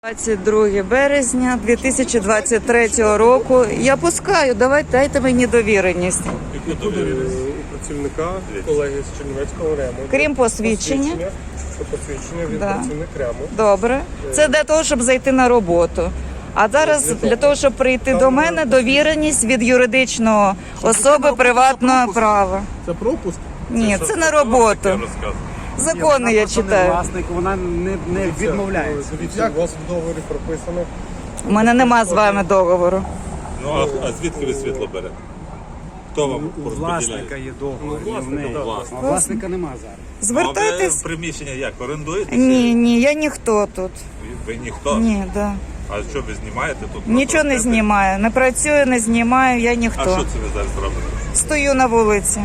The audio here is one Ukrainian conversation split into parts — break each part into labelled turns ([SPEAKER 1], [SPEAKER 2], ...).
[SPEAKER 1] 22 березня 2023 року. Я пускаю, дайте мені довіреність.
[SPEAKER 2] Яку довіреність? У працівника, колеги з Чернівецького РЕМу.
[SPEAKER 1] Крім посвідчення.
[SPEAKER 2] Посвідчення він працівник РЕМу.
[SPEAKER 1] Добре. Це для того, щоб зайти на роботу. А зараз для того, щоб прийти до мене, довіреність від юридичного особи приватного права.
[SPEAKER 3] Це пропуск?
[SPEAKER 1] Ні, це на роботу. Закони я читаю.
[SPEAKER 3] Власник, вона не відмовляється.
[SPEAKER 2] Дивіться, у вас в договорі прописано.
[SPEAKER 1] У мене нема з вами договору.
[SPEAKER 4] Ну, а звідки ви світло берете? Хто вам
[SPEAKER 3] У власника
[SPEAKER 4] розподіляє?
[SPEAKER 3] є договор, в неї.
[SPEAKER 4] власника.
[SPEAKER 3] А власника нема зараз.
[SPEAKER 1] Звертайтесь.
[SPEAKER 4] Ну, а ви приміщення як? Орендуєте?
[SPEAKER 1] Ні, я ніхто тут.
[SPEAKER 4] Ви ніхто?
[SPEAKER 1] Ні, да.
[SPEAKER 4] А що ви знімаєте тут?
[SPEAKER 1] Нічого не знімаю. Не працюю, не знімаю, я
[SPEAKER 4] А
[SPEAKER 1] ніхто.
[SPEAKER 4] що це ви зараз робите?
[SPEAKER 1] Стою на вулиці.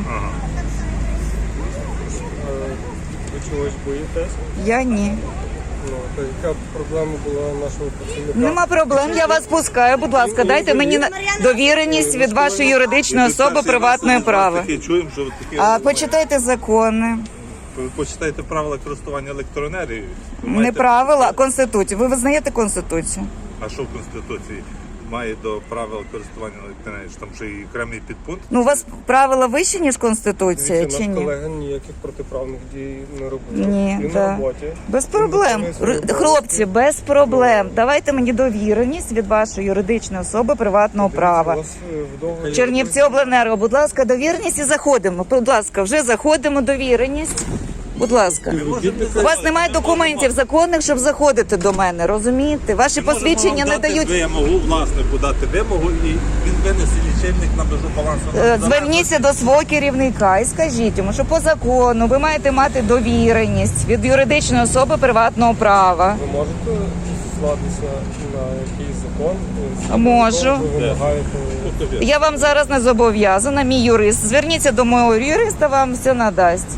[SPEAKER 2] Ви чогось боїтесь?
[SPEAKER 1] Я ні.
[SPEAKER 2] Ну, то яка проблема була нашого працівника?
[SPEAKER 1] Нема проблем, я вас пускаю. Будь ласка, дайте мені довіреність від вашої юридичної особи приватної права.
[SPEAKER 4] Такі чуємо, що ви такі...
[SPEAKER 1] А почитайте закони.
[SPEAKER 4] Ви почитайте правила користування електроенергією. Ви
[SPEAKER 1] Не
[SPEAKER 4] маєте-
[SPEAKER 1] правила, а Конституцію. Ви визнаєте Конституцію?
[SPEAKER 4] А що в Конституції має до правил користування електроенергією? Там ще і окремий підпункт?
[SPEAKER 1] Ну, у вас правила вищі, ніж Конституція,
[SPEAKER 2] Дивіться,
[SPEAKER 1] чи
[SPEAKER 2] наш
[SPEAKER 1] ні?
[SPEAKER 2] колега ніяких протиправних дій не робив.
[SPEAKER 1] Ні,
[SPEAKER 2] Він
[SPEAKER 1] да.
[SPEAKER 2] на роботі.
[SPEAKER 1] Без проблем.
[SPEAKER 2] Він виконує свої
[SPEAKER 1] Хлопці, без проблем. Давайте мені довіреність від вашої юридичної особи приватного права.
[SPEAKER 2] У вас в договорі
[SPEAKER 1] Чернівці обленерго, будь ласка, довіреність і заходимо. Будь ласка, вже заходимо, довіреність. Будь ласка. У вас немає документів законних, щоб заходити до мене, розумієте? Ваші посвідчення не дають.
[SPEAKER 4] Вимогу, власнику дати вимогу, і він винесе лічильник на межу балансу.
[SPEAKER 1] Зверніться до свого керівника і скажіть йому, що по закону ви маєте мати довіреність від юридичної особи приватного права.
[SPEAKER 2] ви можете зіслатися на якийсь закон?
[SPEAKER 1] Можу.
[SPEAKER 2] Ви вимагаєте...
[SPEAKER 1] Я вам зараз не зобов'язана, мій юрист. Зверніться до мого юриста, вам все надасть.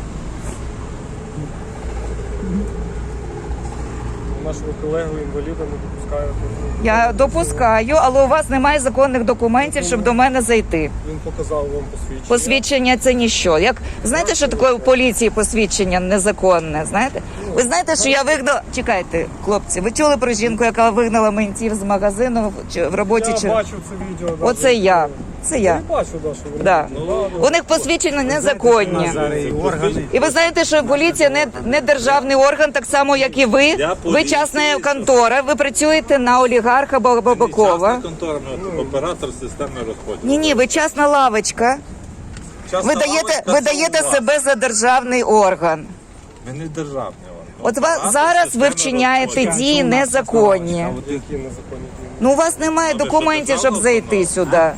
[SPEAKER 2] Нашого колегу інваліда не допускаєте.
[SPEAKER 1] Я допускаю, але у вас немає законних документів, щоб до мене зайти.
[SPEAKER 2] Він показав вам посвідчення.
[SPEAKER 1] Посвідчення це ніщо. Як знаєте, що таке у поліції посвідчення незаконне? Знаєте? Ви знаєте, що я вигнала. Чекайте, хлопці, ви чули про жінку, яка вигнала ментів з магазину в роботі?
[SPEAKER 2] Я бачив це відео.
[SPEAKER 1] Оце я. Це я.
[SPEAKER 2] Я бачу, да, що ви
[SPEAKER 1] Да.
[SPEAKER 2] робите.
[SPEAKER 1] У них посвідчення незаконні.
[SPEAKER 3] Зараз і органи.
[SPEAKER 1] І ви знаєте, що поліція не державний орган, так само, як і ви.
[SPEAKER 4] Я
[SPEAKER 1] Ви
[SPEAKER 4] поліція.
[SPEAKER 1] частна контора, ви працюєте на олігарха Бабакова.
[SPEAKER 4] Частна контора, оператор системи розподілу.
[SPEAKER 1] Ні, ви частна лавочка.
[SPEAKER 4] Частна
[SPEAKER 1] Ви
[SPEAKER 4] лавочка
[SPEAKER 1] даєте
[SPEAKER 4] це у вас.
[SPEAKER 1] себе за державний орган.
[SPEAKER 4] Ви не державний орган.
[SPEAKER 1] От
[SPEAKER 4] Оператор
[SPEAKER 1] зараз ви
[SPEAKER 4] системи
[SPEAKER 1] вчиняєте
[SPEAKER 4] розподілу.
[SPEAKER 1] дії незаконні.
[SPEAKER 2] Які незаконні дії?
[SPEAKER 1] Ну, у вас немає
[SPEAKER 4] ви що,
[SPEAKER 1] документів, щоб
[SPEAKER 4] державна
[SPEAKER 1] зайти сюди.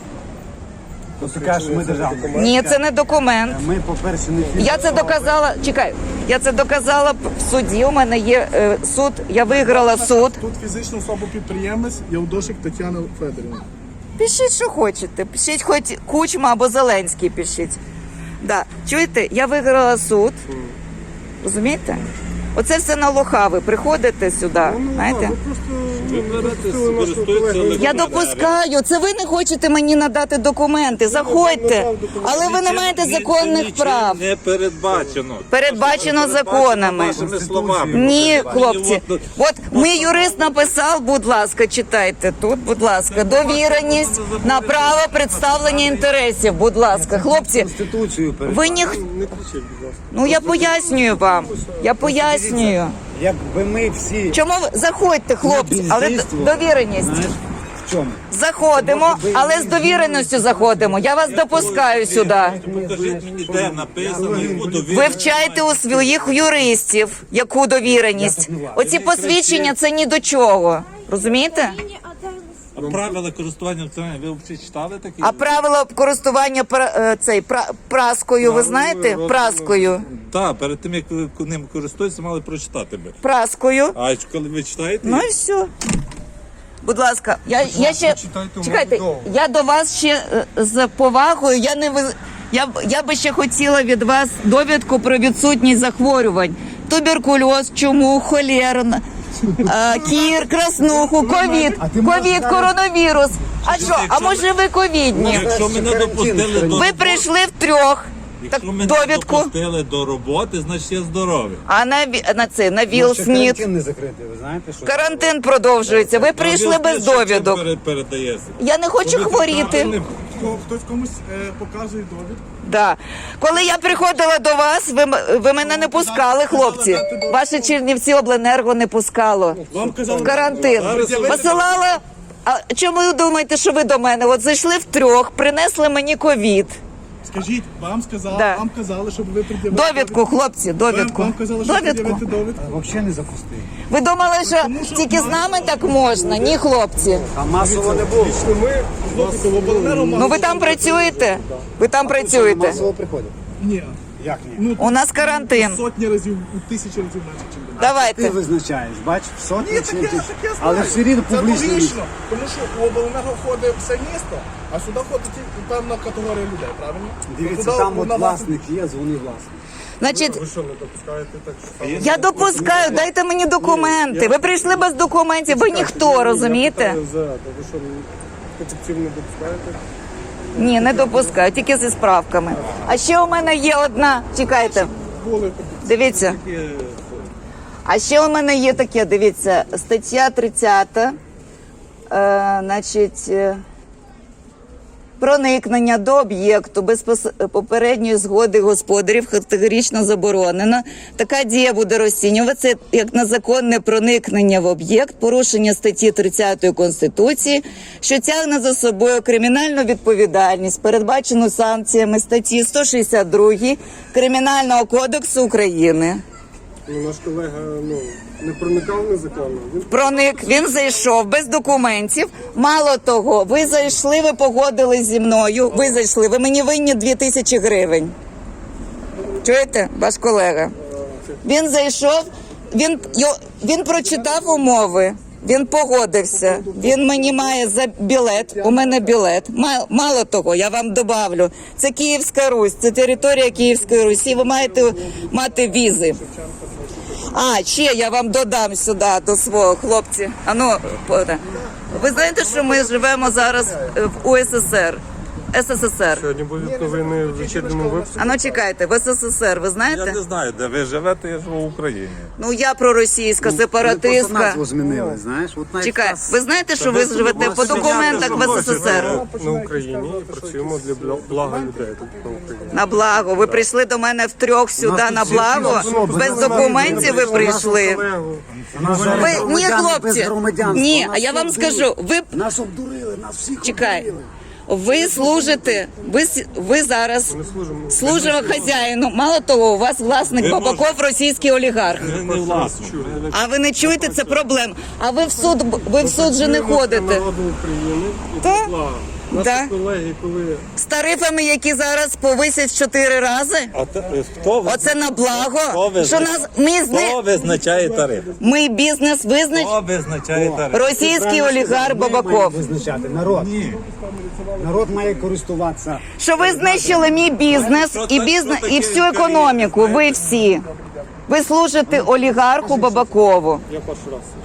[SPEAKER 3] Ти кажеш, що ми державні.
[SPEAKER 1] Ні, це не документ.
[SPEAKER 3] Ми, по-перше, не
[SPEAKER 1] Я це доказала. Чекай, я це доказала в суді. У мене є суд. Я виграла суд.
[SPEAKER 5] Тут фізична особа підприємець Явдошик Тетяна Федорівна.
[SPEAKER 1] Пишіть, що хочете. Пишіть хоч Кучма або Зеленський пишіть. Да. Чуєте, я виграла суд. Розумієте? Оце все на лоха. Ви приходите сюди, знаєте?
[SPEAKER 4] Ви користуєтеся
[SPEAKER 1] Я допускаю. Це ви не хочете мені надати документи. Заходьте. Але ви не маєте законних прав.
[SPEAKER 4] Не передбачено.
[SPEAKER 1] Передбачено законами.
[SPEAKER 4] Вашими словами.
[SPEAKER 1] Ні, хлопці.
[SPEAKER 4] От,
[SPEAKER 1] От мій юрист написав, будь ласка, читайте тут, будь ласка, довіреність на право представлення інтересів, будь ласка. Хлопці,
[SPEAKER 3] Конституцію
[SPEAKER 1] ви ні...
[SPEAKER 2] Не кричіть, будь ласка.
[SPEAKER 1] Ну я пояснюю вам, я пояснюю.
[SPEAKER 3] Якби ми всі
[SPEAKER 1] Чому ви... Заходьте, хлопці, але довіреність.
[SPEAKER 3] знаєш, в чому?
[SPEAKER 1] Заходимо, але з довіреністю заходимо. Я вас допускаю сюди.
[SPEAKER 4] Покажіть мені, де написано, яку
[SPEAKER 1] Ви
[SPEAKER 4] довіреність.
[SPEAKER 1] вчайте у своїх юристів, яку довіреність. Оці посвідчення це ні до чого. Розумієте?
[SPEAKER 4] А правила користування електроенергією ви взагалі читали такі?
[SPEAKER 1] А правила користування праскою, ви знаєте? Праскою.
[SPEAKER 4] Так, перед тим, як ви ним користуєтеся, мали прочитати би.
[SPEAKER 1] Праскою.
[SPEAKER 4] А коли ви читаєте?
[SPEAKER 1] Ну і все. Будь ласка, я ще
[SPEAKER 2] Почитайте
[SPEAKER 1] чекайте.
[SPEAKER 2] умови
[SPEAKER 1] Я до вас ще з повагою. Я би ще хотіла від вас довідку про відсутність захворювань: туберкульоз, чуму, холеру, кір, краснуху, ковід, коронавірус. А що? А може ви ковідні?
[SPEAKER 4] Якщо мене допустили до...
[SPEAKER 1] Ви прийшли втрьох.
[SPEAKER 6] Якщо
[SPEAKER 1] Так,
[SPEAKER 6] мене
[SPEAKER 1] довідку.
[SPEAKER 6] допустили до роботи, значить я здоровий.
[SPEAKER 1] А на Вілл
[SPEAKER 3] Ще
[SPEAKER 1] Сміт.
[SPEAKER 3] карантин не закритий, ви знаєте, що?
[SPEAKER 1] Карантин продовжується. Ви прийшли без довідок.
[SPEAKER 6] Передається.
[SPEAKER 1] Я не хочу хворіти.
[SPEAKER 5] Хтось комусь показує довідку.
[SPEAKER 1] Да. Коли я приходила до вас, ви мене не пускали, хлопці. Ваше Чернівці обленерго не пускало.
[SPEAKER 5] Вам казали,
[SPEAKER 1] В карантин. Посилала. А чому ви думаєте, що ви до мене? От зайшли втрьох, принесли мені ковід.
[SPEAKER 5] скажіть, вам сказали,
[SPEAKER 1] Да.
[SPEAKER 5] вам казали, щоб ви пред'явили
[SPEAKER 1] Довідку, хлопці, довідку.
[SPEAKER 5] Вам казали, що
[SPEAKER 1] Довідку.
[SPEAKER 5] пред'явити довідку.
[SPEAKER 3] Взагалі не запустив.
[SPEAKER 1] Ви думали, що тільки з нами так можна? Ні, хлопці.
[SPEAKER 3] А масово не було.
[SPEAKER 2] Лічно ми
[SPEAKER 5] Хлопці, в обленерго
[SPEAKER 1] Ну ви там працюєте? Ви там працюєте?
[SPEAKER 3] Масово приходять.
[SPEAKER 5] Ні.
[SPEAKER 3] Як ні?
[SPEAKER 5] Ну,
[SPEAKER 1] У нас карантин.
[SPEAKER 5] сотні разів, у тисячі разів менше, ніж до нас.
[SPEAKER 3] Ти
[SPEAKER 1] Давайте.
[SPEAKER 3] визначаєш, бачиш, сотні
[SPEAKER 5] Ні,
[SPEAKER 3] чи
[SPEAKER 5] таке,
[SPEAKER 3] які?
[SPEAKER 5] таке
[SPEAKER 3] Але все рівно
[SPEAKER 5] Це
[SPEAKER 3] публічно.
[SPEAKER 5] логічно, тому що у обленерго входить все місто, а сюди входить тільки певна категорія людей, правильно?
[SPEAKER 3] Дивіться,
[SPEAKER 5] Туди
[SPEAKER 3] там от
[SPEAKER 5] вона
[SPEAKER 3] власник є, дзвони власник.
[SPEAKER 1] Значить,
[SPEAKER 2] ви що не допускаєте так само?
[SPEAKER 1] я допускаю, дайте мені документи. Ви прийшли без документів, ви ніхто, розумієте?
[SPEAKER 2] Я питаю за, то ви що офіційно не допускаєте?
[SPEAKER 1] Ні, не допускаю, тільки зі справками. А ще у мене є одна. Чекайте,
[SPEAKER 5] були.
[SPEAKER 1] дивіться. А ще у мене є таке, дивіться, стаття 30, значить, проникнення до об'єкту без попередньої згоди господарів категорично заборонено. Така дія буде розцінюватися як незаконне проникнення в об'єкт, порушення статті 30 Конституції, що тягне за собою кримінальну відповідальність, передбачену санкціями статті 162 Кримінального кодексу України.
[SPEAKER 2] Ну, наш колега не проникав незаконно. Він
[SPEAKER 1] Проник, він зайшов без документів. Мало того, ви зайшли, ви погодились зі мною. Ви зайшли, ви мені винні 2000 гривень. Чуєте, ваш колега? Він зайшов, він прочитав умови, він погодився. Він мені має за білет, у мене білет. Мало того, я вам добавлю, це Київська Русь, це територія Київської Русі, ви маєте мати візи. А, ще я вам додам сюди до свого хлопці. Ви знаєте, що ми живемо зараз в УССР? СССР.
[SPEAKER 2] сьогодні будуть новини в вечірньому випуску.
[SPEAKER 1] А ну чекайте, в СССР, ви
[SPEAKER 4] Я
[SPEAKER 1] знаєте?
[SPEAKER 4] не знаю, де ви живете, я живу в Україні.
[SPEAKER 1] Ну я проросійська,
[SPEAKER 3] Просто
[SPEAKER 1] сепаратистка.
[SPEAKER 3] назву змінили, знаєш. От навіть
[SPEAKER 1] Чекай,
[SPEAKER 3] нас-
[SPEAKER 1] ви знаєте, що ви живете по документах в СССР?
[SPEAKER 2] На Україні і працюємо для блага людей тут на Україні.
[SPEAKER 1] На благо. Ви прийшли до мене втрьох сюди на благо? Без документів ви прийшли?
[SPEAKER 3] Нас
[SPEAKER 1] Ви,
[SPEAKER 3] зараз
[SPEAKER 1] ні,
[SPEAKER 3] громадяни
[SPEAKER 1] хлопці,
[SPEAKER 3] без громадянства.
[SPEAKER 1] ні,
[SPEAKER 3] Нас
[SPEAKER 1] а я вам
[SPEAKER 3] обдурили.
[SPEAKER 1] скажу, ви
[SPEAKER 3] Нас обдурили, нас всіх
[SPEAKER 1] Чекай,
[SPEAKER 3] обдурили.
[SPEAKER 1] ви служите, ви зараз служимо хазяїну. Мало того, у вас власник Бабаков, російський олігарх.
[SPEAKER 6] Ви не власник.
[SPEAKER 1] А ви не чуєте, це проблем. А ви в суд же не ходите.
[SPEAKER 2] Народу України і
[SPEAKER 1] Та?
[SPEAKER 2] для блага. Наші
[SPEAKER 1] Да.
[SPEAKER 2] колеги, коли
[SPEAKER 1] З тарифами, які зараз повисять 4 рази. Оце на благо. Що нас
[SPEAKER 6] Хто визначає тариф?
[SPEAKER 1] ми бізнес визнач.
[SPEAKER 6] Хто визначає тариф?
[SPEAKER 1] Російський олігарх
[SPEAKER 3] Ми
[SPEAKER 1] Бабаков.
[SPEAKER 3] маємо визначати народ. Народ має користуватися.
[SPEAKER 1] Що ви знищили мій бізнес і всю економіку. Ви всі. Ви служите олігарху Бабакову.
[SPEAKER 2] я перший раз це чую.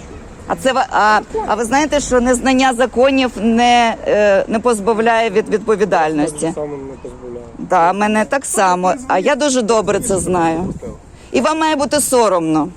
[SPEAKER 1] А ви знаєте, що незнання законів не позбавляє від відповідальності?
[SPEAKER 2] Саме не дозволяє.
[SPEAKER 1] Так, мене так само. А я дуже добре це знаю. І вам має бути соромно.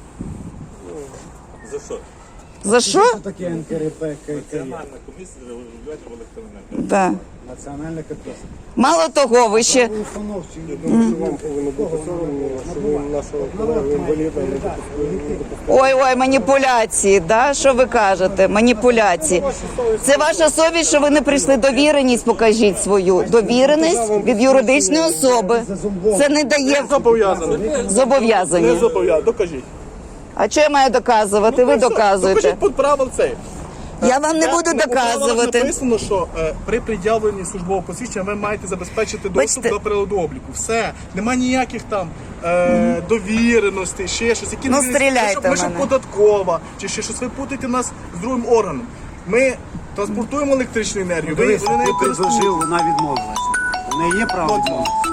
[SPEAKER 6] За що?
[SPEAKER 1] За що?
[SPEAKER 3] Що таке НКРП, ККЄ?
[SPEAKER 6] Національна комісія регулювання в електроенергії.
[SPEAKER 1] Да.
[SPEAKER 3] Національна КП.
[SPEAKER 1] Мало того, ви ще
[SPEAKER 3] Установчі.
[SPEAKER 2] Я думаю, що вам повинно бути соромно, що ви нашого колегу інваліда не допустили.
[SPEAKER 1] ой, маніпуляції, да? Що ви кажете? Маніпуляції. Це ваша совість, що ви не прийшли. Довіреність покажіть свою. Довіреність від юридичної особи. Це не дає
[SPEAKER 5] Зобов'язаний.
[SPEAKER 1] зобов'язання.
[SPEAKER 5] Не зобов'язаний. Докажіть.
[SPEAKER 1] А що я маю доказувати? Ви доказуєте.
[SPEAKER 5] Докажіть під правил цей.
[SPEAKER 1] Я вам не буду
[SPEAKER 5] У правилах
[SPEAKER 1] доказувати.
[SPEAKER 5] написано, що при пред'явленні службового посвідчення ви маєте забезпечити доступ
[SPEAKER 1] Бачите?
[SPEAKER 5] до приладу обліку. Все. Нема ніяких там довіреностей, ще щось. Які
[SPEAKER 1] Ну,
[SPEAKER 5] не-
[SPEAKER 1] стріляйте
[SPEAKER 5] Ми
[SPEAKER 1] в
[SPEAKER 5] ще
[SPEAKER 1] мене.
[SPEAKER 5] податкова, чи ще щось. Ви путаєте нас з другим органом. Ми транспортуємо електричну енергію.
[SPEAKER 3] Дивись,
[SPEAKER 5] Ви нею
[SPEAKER 3] ти предложив,
[SPEAKER 5] користуєтесь.
[SPEAKER 3] вона відмовилася. У неї є право відмовитися.